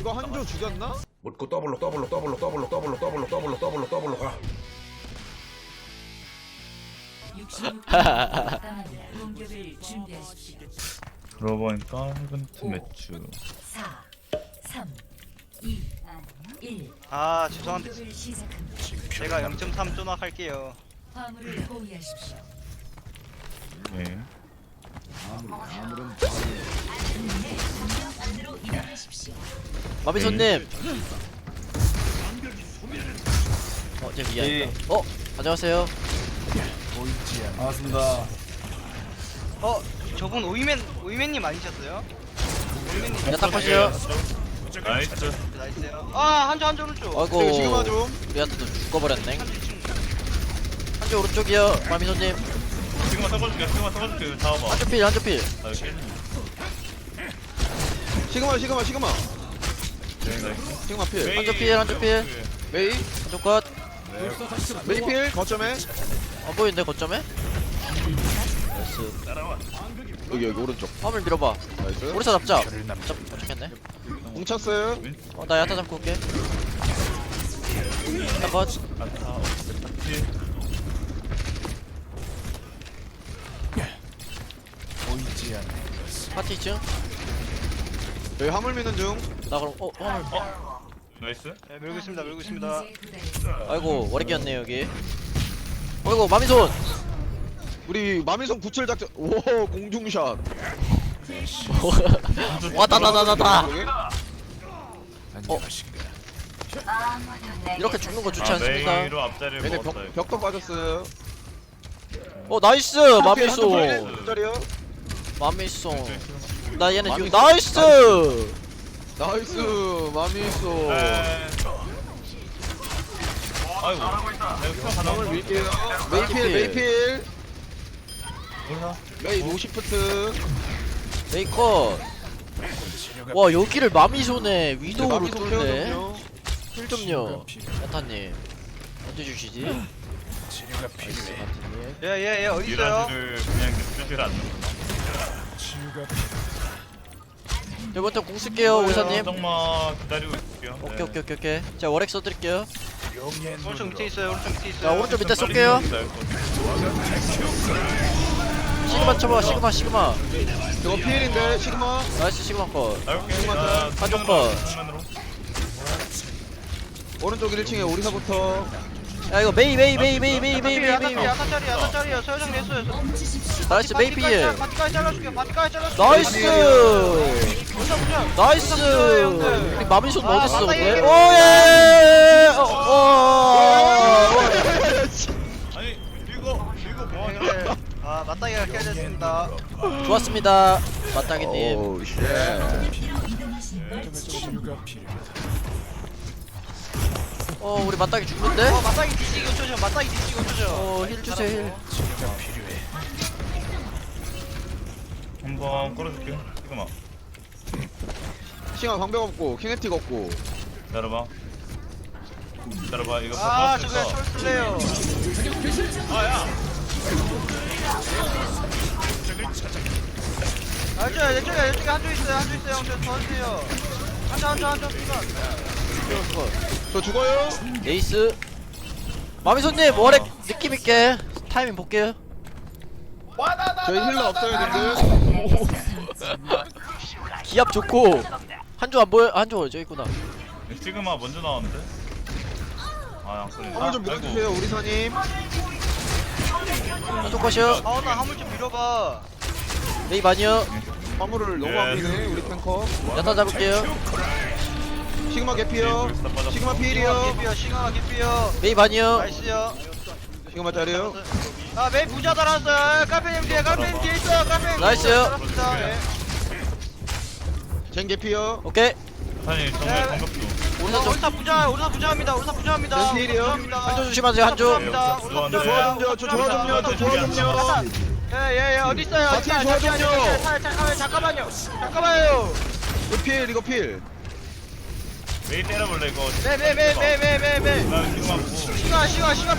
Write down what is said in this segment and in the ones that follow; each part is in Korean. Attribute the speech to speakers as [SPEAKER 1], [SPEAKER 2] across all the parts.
[SPEAKER 1] 이거 한조 죽였나?
[SPEAKER 2] 묻고 더블로 가.
[SPEAKER 3] 66분 남았다. 공격을 준비하십시오.
[SPEAKER 4] 그러고 보니까 이벤트 매출
[SPEAKER 3] 4, 3, 2, 1.
[SPEAKER 5] 아 죄송한데
[SPEAKER 3] 공격을 시작합니다.
[SPEAKER 5] 제가 0.3 쪼낙할게요.
[SPEAKER 3] 화물을 포위하십시오.
[SPEAKER 4] 네.
[SPEAKER 3] 안으로 이동하십시오.
[SPEAKER 6] 마비손님. 제 위에 있다. 안녕하세요.
[SPEAKER 4] 반갑습니다.
[SPEAKER 5] 저분 오이맨님 아니셨어요? 오이맨님
[SPEAKER 6] 야딱 하시요.
[SPEAKER 4] 나이스.
[SPEAKER 5] 나이스요. 아 한조 오른쪽.
[SPEAKER 6] 아이고.
[SPEAKER 1] 지금 하죠.
[SPEAKER 6] 우리한테도 죽어버렸네.
[SPEAKER 5] 한조 2층.
[SPEAKER 6] 한쪽 오른쪽이요. 마비손님.
[SPEAKER 4] 지금만 써볼게요. 잡아봐.
[SPEAKER 6] 한쪽필.
[SPEAKER 4] 나 여기.
[SPEAKER 1] 시그마.
[SPEAKER 4] 네, 나이스.
[SPEAKER 1] 시그마 필.
[SPEAKER 6] 한쪽필.
[SPEAKER 1] 메이.
[SPEAKER 6] 한쪽 컷.
[SPEAKER 1] 메이 필. 거점에.
[SPEAKER 6] 안 보이는데 거점에? 나이스.
[SPEAKER 1] 여기 오른쪽.
[SPEAKER 6] 화물 밀어봐.
[SPEAKER 1] 나이스.
[SPEAKER 6] 오리사 잡자. 잡겠네.
[SPEAKER 1] 뭉쳤어요.
[SPEAKER 6] 나 야타 잡고 올게. 야타 컷.
[SPEAKER 4] 아타 없지.
[SPEAKER 6] 파티 2층.
[SPEAKER 1] 여기 화물 미는 중.
[SPEAKER 6] 나 그럼 화물.
[SPEAKER 4] 나이스.
[SPEAKER 5] 네, 밀고 있습니다.
[SPEAKER 6] 아이고 오래 끼었네 여기. 아이고 마미손.
[SPEAKER 1] 우리 마미손 구칠 작전. 오 공중샷.
[SPEAKER 6] 와다다다다다.
[SPEAKER 1] 여기?
[SPEAKER 6] 이렇게 죽는 거 좋지 않습니까?
[SPEAKER 4] 메이로 앞자리를
[SPEAKER 1] 얘네
[SPEAKER 4] 먹었다. 이거.
[SPEAKER 1] 벽도 빠졌어요.
[SPEAKER 6] 나이스 마미손.
[SPEAKER 1] 짜리요?
[SPEAKER 6] 마미손. 나 얘네 지금
[SPEAKER 1] 마미손.
[SPEAKER 6] 나이스.
[SPEAKER 1] 나이스 마미손.
[SPEAKER 4] 아이고. 내가 하나
[SPEAKER 1] 화물 밀게요. 메이필.
[SPEAKER 4] 몰라.
[SPEAKER 1] 메이 노시프트.
[SPEAKER 6] 메이커. 와 여기를 마미손에 위도우로
[SPEAKER 1] 마미손
[SPEAKER 6] 뚫네.
[SPEAKER 1] 케어좀요.
[SPEAKER 6] 힐 좀요. 야타님 언제 주시지? 나이스 야타님.
[SPEAKER 5] 예예예 어디 있어요?
[SPEAKER 4] 미라지를 그냥 쓰질 않는구나.
[SPEAKER 6] 이번부터 공 쓸게요 의사님.
[SPEAKER 4] 정말 기다리고 있을게요.
[SPEAKER 6] 오케이. 제가 워렉 써드릴게요.
[SPEAKER 5] 오른쪽 밑에 있어요.
[SPEAKER 6] 자 오른쪽 밑에 쏠게요. 시그마 쳐봐 시그마.
[SPEAKER 1] 이거 필인데 시그마.
[SPEAKER 6] 나이스 시그마 컷. 한쪽 컷.
[SPEAKER 1] 오른쪽 1층에 오리사부터.
[SPEAKER 6] 야 이거 메이.
[SPEAKER 5] 야타짜리야. 서여정 냈어요.
[SPEAKER 6] 나이스 메이 필.
[SPEAKER 5] 바티까지 잘라줄게.
[SPEAKER 6] 나이스. 나이스. 우리 마미손 어딨어 근데? 오예.
[SPEAKER 4] 아니 이거 뭐하냐?
[SPEAKER 5] 아 맞다이가 깨졌습니다.
[SPEAKER 6] 좋았습니다 맞다기님.
[SPEAKER 1] 오 쉣.
[SPEAKER 6] 우리 맞다기 죽는데?
[SPEAKER 5] 맞다이 뒤지기 5초죠. 맞다이 뒤지기 5초죠.
[SPEAKER 6] 힐 주세요 힐.
[SPEAKER 4] 한번 끌어줄게. 잠깐만.
[SPEAKER 1] 싱아 방벽 없고 키네틱 없고.
[SPEAKER 4] 기다려봐. 이거
[SPEAKER 5] 아 저거
[SPEAKER 4] 퍼포스에서
[SPEAKER 5] 촐슬래요. 알죠? 이쪽에 한조 있어요. 저 도와주세요. 한조 피가.
[SPEAKER 1] 저 죽어요?
[SPEAKER 6] 에이스. 마미손님 워렉 느낌있게 타이밍 볼게요.
[SPEAKER 1] 저희 힐러 없어요 님들.
[SPEAKER 6] 기압 좋고 한조 안 보여? 한조 저기 있구나.
[SPEAKER 4] 시그마 먼저 나왔는데? 안 끌리네.
[SPEAKER 1] 화물 좀 밀어주세요 오리사님.
[SPEAKER 6] 한조 컷이요.
[SPEAKER 5] 나 화물 좀 밀어봐.
[SPEAKER 6] 메이 많이요.
[SPEAKER 1] 화물을 너무 안 미네 우리 탱커.
[SPEAKER 6] 야타 잡을게요.
[SPEAKER 1] 시그마 개피요. 시그마 필이요.
[SPEAKER 5] 시그마 기피요.
[SPEAKER 6] 메이 많이요.
[SPEAKER 5] 나이스요.
[SPEAKER 1] 시그마 짜리요.
[SPEAKER 5] 아 메이 부자 달았어요. 카페님 뒤에 있어. 카페님.
[SPEAKER 6] 나이스요.
[SPEAKER 5] 달았습니다. 예.
[SPEAKER 1] 젠 개피요.
[SPEAKER 6] 오케이.
[SPEAKER 4] 아니 정말 반갑죠.
[SPEAKER 5] 오리사 부자합니다.
[SPEAKER 1] 젠 필이요.
[SPEAKER 6] 한조 조심하세요 한조.
[SPEAKER 1] 저 조화 좀요.
[SPEAKER 5] 예예예 어디 있어요?
[SPEAKER 1] 같이 좋아 좀요.
[SPEAKER 5] 잠깐만요.
[SPEAKER 1] 이거 필.
[SPEAKER 4] 메이 때려볼래 이거.
[SPEAKER 5] 네.
[SPEAKER 4] 나 시그마 보고.
[SPEAKER 5] 시가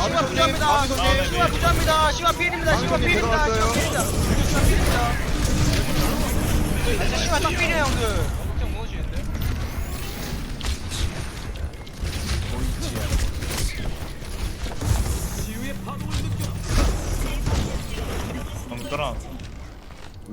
[SPEAKER 5] 부자입니다. 시가 필입니다. 시가 딱 필이에요 형들. 엄청 무엇이는데?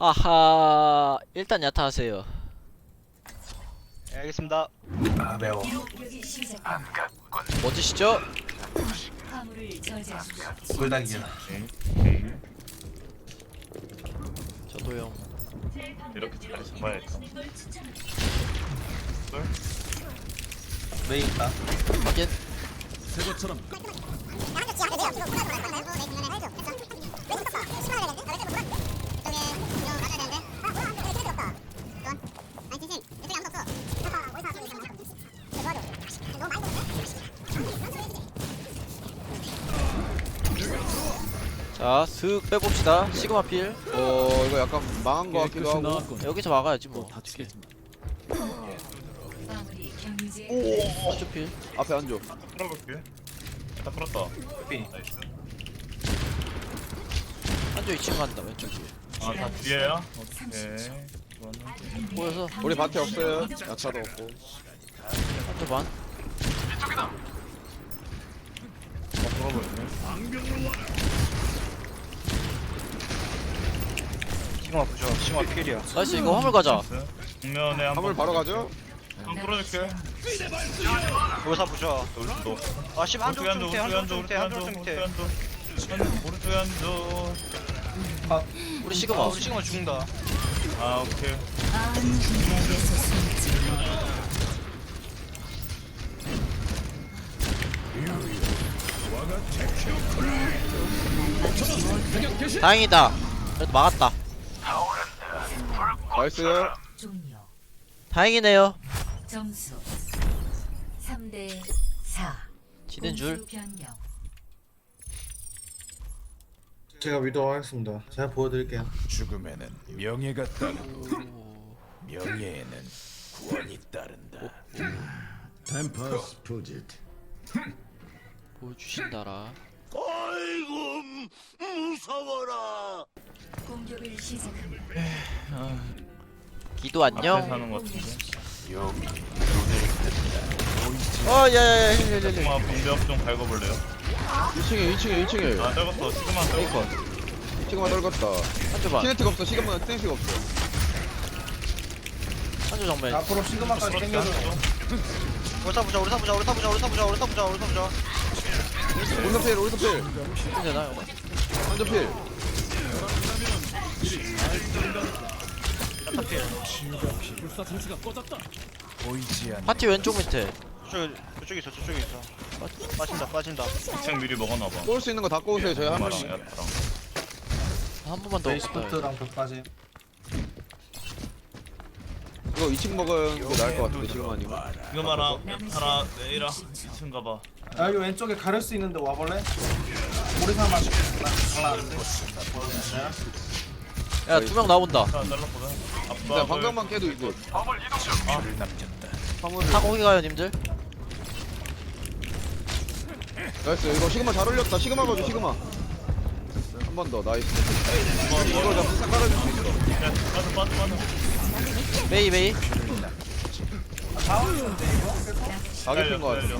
[SPEAKER 6] 하하 일단 야타 하세요.
[SPEAKER 5] 네, 알겠습니다.
[SPEAKER 2] 아 매워.
[SPEAKER 3] 공격이 시작합니다.
[SPEAKER 6] 멋지시죠?
[SPEAKER 3] 화물을 저지하십시오.
[SPEAKER 2] 불닭이야.
[SPEAKER 6] 저도요.
[SPEAKER 4] 이렇게 자리 잡아야겠다.
[SPEAKER 2] 메이 있다.
[SPEAKER 6] 확인. 자, 슥 빼봅시다. 시그마 필.
[SPEAKER 1] 이거 약간 망한 거 같기도 하고.
[SPEAKER 6] 여기서 막아야지 뭐.
[SPEAKER 3] 마무리 경유제
[SPEAKER 6] 한쪽 필.
[SPEAKER 1] 앞에 앉아.
[SPEAKER 4] 풀어볼게. 다 풀었다.
[SPEAKER 2] 삐.
[SPEAKER 4] 나이스.
[SPEAKER 6] 한쪽 2층 간다 왼쪽 뒤에.
[SPEAKER 4] 아, 다 뒤에야? 오케이. 좋았네.
[SPEAKER 6] 보여서
[SPEAKER 1] 우리 밭에 없어요. 야차도 없고.
[SPEAKER 6] 한쪽 반.
[SPEAKER 4] 풀어버리네.
[SPEAKER 5] 시그마 부죠. 시그마 필이야.
[SPEAKER 6] 나이스 이거 화물 가자.
[SPEAKER 4] 나이스. 정면에 한
[SPEAKER 1] 화물
[SPEAKER 4] 번.
[SPEAKER 1] 바로 가죠.
[SPEAKER 4] 한번 풀어줄게.
[SPEAKER 5] 요사 부죠.
[SPEAKER 4] 여기서 너.
[SPEAKER 5] 아, 씨, 한쪽 좀 밑에, 한쪽 좀 밑에, 한쪽 좀 밑에.
[SPEAKER 4] 오른쪽에 앉아.
[SPEAKER 6] 우리
[SPEAKER 5] 아,
[SPEAKER 6] 시그마.
[SPEAKER 5] 우리 시그마 죽는다.
[SPEAKER 4] 아, 오케이.
[SPEAKER 6] 다행이다. 그래도 막았다.
[SPEAKER 1] 나이스.
[SPEAKER 3] 종료.
[SPEAKER 6] 다행이네요.
[SPEAKER 3] 점수 3대 4.
[SPEAKER 6] 지는 줄.
[SPEAKER 3] 공수 변경.
[SPEAKER 2] 제가 위도하겠습니다. 제가 보여드릴게요.
[SPEAKER 7] 죽음에는 명예가 따르고 명예에는 구원이 따른다. 템퍼스 푸짓.
[SPEAKER 6] 보여주신다라.
[SPEAKER 3] 공격을 시작합니다.
[SPEAKER 6] 기도
[SPEAKER 4] 앞에
[SPEAKER 6] 안녕.
[SPEAKER 4] 사는 것 같은데.
[SPEAKER 7] 여기
[SPEAKER 6] 야야야 힐힐힐.
[SPEAKER 4] 시그마 공벽 좀 밟아볼래요?
[SPEAKER 1] 2층에.
[SPEAKER 4] 아, 떨궜어. 시그마 떨궜어.
[SPEAKER 1] 시그마 떨궜다.
[SPEAKER 6] 한쪽 반.
[SPEAKER 1] 키네틱 없어. 시그마 키네틱 없어.
[SPEAKER 6] 한쪽 정면.
[SPEAKER 2] 앞으로 시그마까지
[SPEAKER 4] 그렇지
[SPEAKER 2] 당겨줘.
[SPEAKER 4] 않았어?
[SPEAKER 5] 오사 부죠, 오사 부죠, 오사 부죠, 오사 부죠, 오사 부죠, 오사 부죠.
[SPEAKER 1] 오른쪽 필. 오른쪽 필.
[SPEAKER 6] 되나 이거?
[SPEAKER 1] 한쪽 필.
[SPEAKER 7] 보이지 않는
[SPEAKER 6] 파티 왼쪽 밑에.
[SPEAKER 5] 저쪽에 있어, 저쪽에 있어. 빠진다.
[SPEAKER 4] 2층 미리 먹어놔봐.
[SPEAKER 1] 쏠 수 있는 거 다 꼬우세요. 저희 한
[SPEAKER 4] 마랑
[SPEAKER 1] 명씩.
[SPEAKER 4] 야타랑.
[SPEAKER 6] 한 번만 더
[SPEAKER 2] 메이
[SPEAKER 6] 없다.
[SPEAKER 2] 스포트랑 끝까지.
[SPEAKER 1] 이거 2층 먹은 게 나을 것 같은데 지금 아니면.
[SPEAKER 4] 시그마랑 야타랑 내일아 2층 가봐.
[SPEAKER 2] 아, 여기 왼쪽에 가릴 수 있는데 와볼래? 우리 사람 잘라는데.
[SPEAKER 6] 야 두 명 나온다.
[SPEAKER 4] 자, 잘랐거든.
[SPEAKER 1] 진짜
[SPEAKER 4] 아빠
[SPEAKER 1] 방금만 깨도 이거.
[SPEAKER 7] 줄을 남겼다.
[SPEAKER 1] 화물.
[SPEAKER 6] 타 거기 가요 님들.
[SPEAKER 1] 나이스. 이거 시그마 잘 올렸다. 시그마 가줘. 시그마. 한 번 더. 나이스. 이거 잡 깔아줄 수 있어.
[SPEAKER 4] 야, 빠져.
[SPEAKER 6] 메이 메이.
[SPEAKER 1] 가게 핀거 같은데.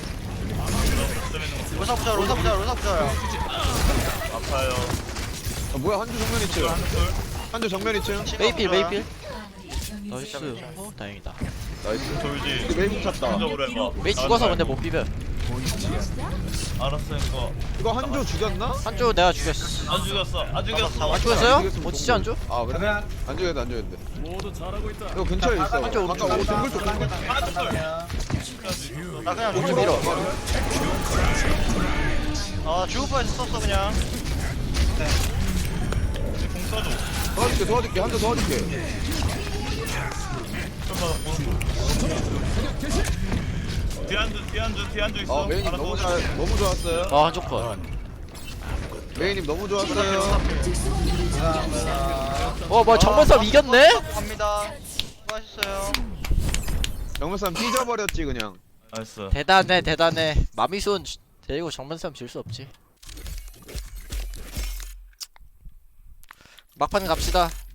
[SPEAKER 5] 오사 부죠, 오사 부죠, 오사 부죠야.
[SPEAKER 4] 아파요.
[SPEAKER 1] 뭐야 한주 정면 2층.
[SPEAKER 4] 한술.
[SPEAKER 1] 한주 정면 2층.
[SPEAKER 6] 메이필 메이필.
[SPEAKER 3] 마무리 경유제
[SPEAKER 6] 나이스. 다행이다.
[SPEAKER 1] 나이스.
[SPEAKER 4] 돌지.
[SPEAKER 1] 메이공 찼다.
[SPEAKER 4] 한적으로 해봐.
[SPEAKER 6] 메이 죽어서 근데 못 비벼.
[SPEAKER 4] 알았으니까.
[SPEAKER 1] 이거 한주 죽였나?
[SPEAKER 6] 한쪽 내가 죽였어.
[SPEAKER 4] 안 죽였어. 안 죽였어.
[SPEAKER 6] 안 죽였어요? 뭐 진짜 안 죽?
[SPEAKER 1] 아 그래?
[SPEAKER 2] 그냥
[SPEAKER 1] 안 죽였는데 안 죽였는데. 모두 잘하고 있다. 이거 근처에 있어.
[SPEAKER 6] 한쪽
[SPEAKER 1] 아까 오 동굴 쪽 동굴.
[SPEAKER 5] 나 그냥
[SPEAKER 6] 오른쪽 밀어.
[SPEAKER 5] 아, 죽을 뻔했어, 썼어, 그냥.
[SPEAKER 4] 공 써줘.
[SPEAKER 1] 도와줄게. 한주 도와줄게.
[SPEAKER 4] 좀 받았고. 뒤안주 있어.
[SPEAKER 1] 메이님
[SPEAKER 4] 알았어.
[SPEAKER 1] 너무 좋았어요.
[SPEAKER 6] 아 한쪽 컷.
[SPEAKER 1] 메이님 너무 좋았어요.
[SPEAKER 6] 뭐 정면 싸움 이겼네?
[SPEAKER 5] 갑니다. 수고하셨어요.
[SPEAKER 1] 영무쌈 삐져버렸지 그냥.
[SPEAKER 4] 나이스.
[SPEAKER 6] 대단해. 마미손 데리고 정면 싸움 질 수 없지. 막판 갑시다.